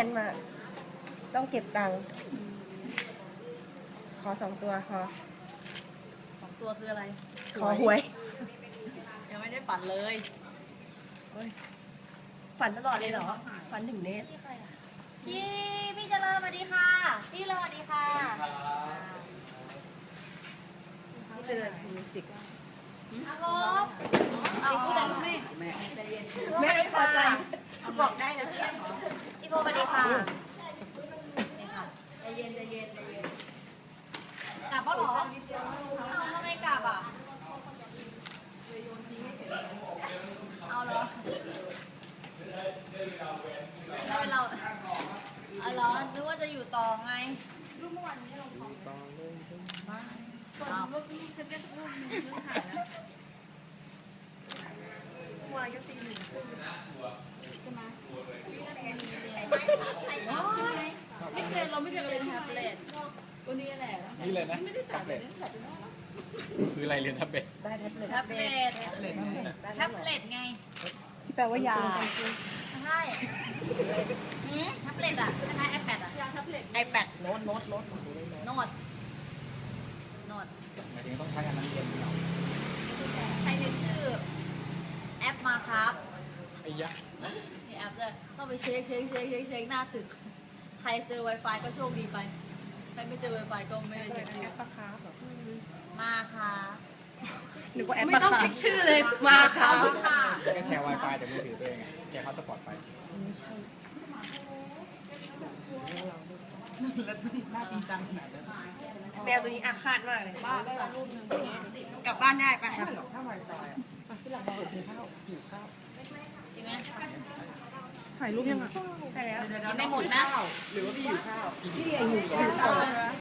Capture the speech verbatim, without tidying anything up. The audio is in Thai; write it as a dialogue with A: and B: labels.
A: นมาต้องเก็บตังค์ขอสองตัวพอ
B: สองตัวคืออะไร
A: ขอหวย
B: ยังไม่ได้ฝันเลย
A: ฝันตลอดเลยเหรอ ฝันถึงเนส
B: พี่พี่เจริญสวัสดีค่ะ พี่เจริญสวัสดีค่ะ
A: นี่เจริญมิวสิก
B: ฮัลโหลเอาพูดอะไรแม่
A: แม่ไม่พอใจบอกได้นะ
B: พี่โบสวัสดีค่ะใจเย็นใจเย็นใจเย็นกลับปะหรอเอาทำไมกลับอ่ะเอาเหรอเราเราอ๋อเหรอนึกว่าจะอยู่ต่อไงรูปเมื่อวานนี้ลงของบ้านเอา
A: วายก็ตีหนึ่ง
B: ไม่เคยเราไม่ได้เรียนแท็บเล็ตตัวนี้แหละ
C: นี่เลยนะแท็บเล็ตคืออะไรเรียนแท็บเล็ต
A: ได้แท็บเล็ต
B: แท็บเล็ตแท็บเล็ตไง
A: ที่แปลว่ายา
B: ใช่หืมแท็บเล็ตอ่ะคล้ายๆ iPad อ่ะ
A: ไอแพดโน้ตโน้ตโน้ต
B: โน้ตโน้ต
C: หมายถึงต้องใช้อันนั้นเรียนเหรอ
B: ใช้ในชื่อแอปมาครับ
C: ไอ้ยะ
B: มีแอปเลยต้องไปเช็คเช็คเช็คเช็คเช็คหน้าตึก ใครเจอ Wi-Fi ก็โชคดีไป ใครไม่เจอ Wi-Fi ก็ไม่ได้เช็คดู
A: แอปปะคาร์ฟเหรอ
B: มาค่ะ
A: หรือว่าแอปไม่ต้องเช็คชื่อเลยมาค่ะ
C: ก็แชร์ Wi-Fi จากมือถือตัวเองไงแชร์ฮอตสปอตไป
A: ไม่ใช่ แมวตัวนี้อาฆาตมากเลยบ้ากลับบ้านได้ปะถ้าไวไฟที่เราบอกกินข้าวหิวข้าว
B: จริงไหม
A: ถ่ายรูปยังอ่ะใช่แล้ว
B: กินได้หมดนะ
A: หรือว่าพี่หิวข้าวพี่ไอหิวข้าว